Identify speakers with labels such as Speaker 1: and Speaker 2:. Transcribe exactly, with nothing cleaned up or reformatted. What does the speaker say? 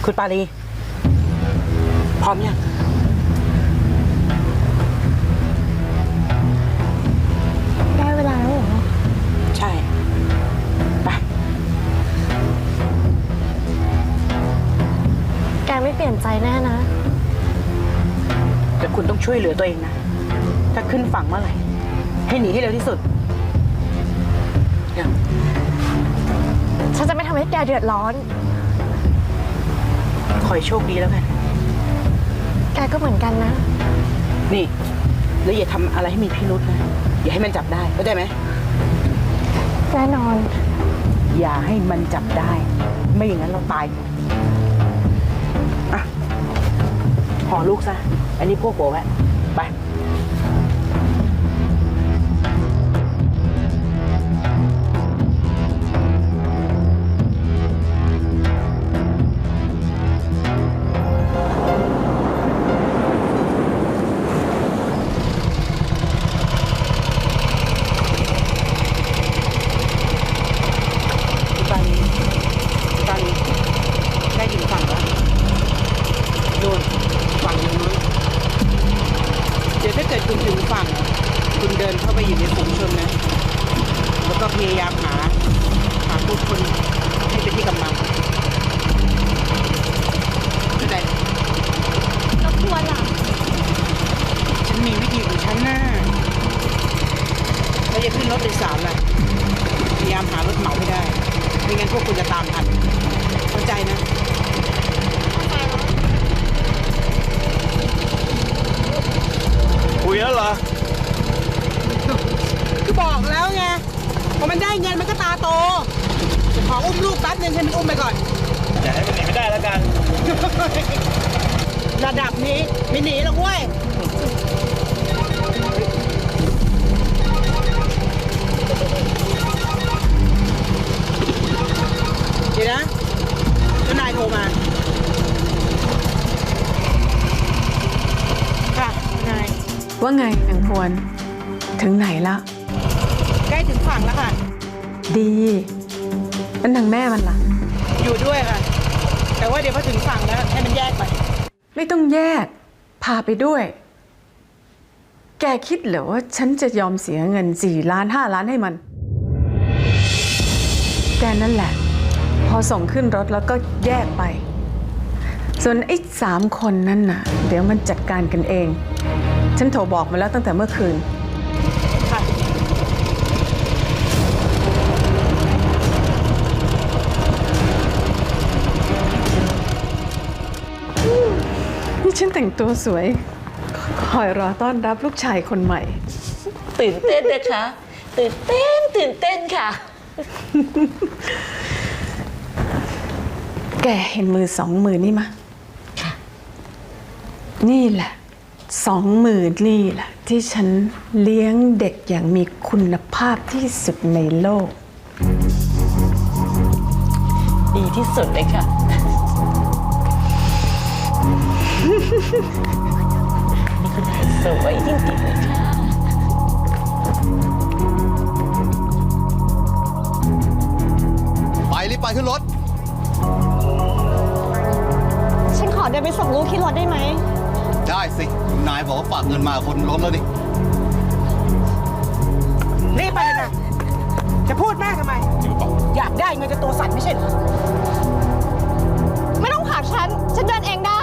Speaker 1: คุณปาลีพร้อมยัง
Speaker 2: ได้เวลาแล้วเหรอ
Speaker 1: ใช่ไป
Speaker 2: แกไม่เปลี่ยนใจแน่นะ
Speaker 1: แต่คุณต้องช่วยเหลือตัวเองนะถ้าขึ้นฝั่งเมื่อไหร่ให้หนีให้เร็วที่สุดยัง
Speaker 2: ฉันจะไม่ทำให้แกเดือดร้อน
Speaker 1: ขอให้โชคดีแล้วกัน
Speaker 2: แกก็เหมือนกันนะ
Speaker 1: นี่แล้วอย่าทำอะไรให้มีพิรุธนะอย่าให้มันจับได้เข้าใจไหม
Speaker 2: แน่นอน
Speaker 1: อย่าให้มันจับได้ไม่อย่างนั้นเราตายอ่ะห่อลูกซะอันนี้พวกโบแวะไปคุณถึงฝั่งคุณเดินเข้าไปอยู่ในฝูงชนนะแล้วก็พยายามหาหาผู้คนให้เป็นที่กำลังเข้าใจ
Speaker 2: แล้วควรล่ะ
Speaker 1: ฉันมีวิธีของฉันนะเราจะขึ้นรถโดยสารล่ะพยายามหารถเหมาให้ได้ไม่งั้นพวกคุณจะตามทันเข้าใจนะ
Speaker 3: คุยแล้วเหรอ
Speaker 1: ก็บอกแล้วไงพอมันได้เงินมันก็ตาโตขออุ้มลูกแป๊บนึงให้มันอุ้มไปก่อน
Speaker 3: อย่าให้มันหนีไม่ได้แล้วกัน
Speaker 1: ระดับนี้ไม่หนีหรอกเว้ยเดี๋ยวนะเจ้านายโทรมาค่ะนาย
Speaker 4: ว่าไงนางพวนถึงไหนละ
Speaker 1: ใกล้ถึงฝั่งแล้วค่ะ
Speaker 4: ดีแล้วนางแม่มันล่ะ
Speaker 1: อยู่ด้วยค่ะแต่ว่าเดี๋ยวพอถึงฝั่งแล้วให้มันแยกไป
Speaker 4: ไม่ต้องแยกพาไปด้วยแกคิดเหรอว่าฉันจะยอมเสียเงินสี่ล้านห้าล้านให้มันแกนั่นแหละพอส่งขึ้นรถแล้วก็แยกไปส่วนไอ้สามคนนั่นน่ะเดี๋ยวมันจัดการกันเองฉันโทรบอกมาแล้วตั้งแต่เมื่อคืน
Speaker 1: ค่ะ
Speaker 4: นี่ฉันแต่งตัวสวยคอยรอต้อนรับลูกชายคนใหม่
Speaker 5: ตื่นเต้นนะคะตื่นเต้นตื่นเต้นค่ะ
Speaker 4: แกเห็นมือสองมือนี่มะ
Speaker 5: ค่ะ
Speaker 4: นี่แหละสองมือนี่แหละที่ฉันเลี้ยงเด็กอย่างมีคุณภาพที่สุดในโลก
Speaker 5: ดีที่สุดเลยค่ะนี่คุณสวยจริงๆเลยค่ะ
Speaker 3: ไปรีบไปขึ้นรถ
Speaker 2: ฉันขอเดินไปส่งลูกที่รถได้ไหม
Speaker 3: ได้สินายบอกว่าฝากเงินมาคนล้มแล้วดิ
Speaker 1: รีบไปเลยนะจะพูดมากทำไมอยากได้เงินจะตัวสั่นไม่ใช่เหรอ
Speaker 2: ไม่ต้องผลักฉันฉันเดินเองได้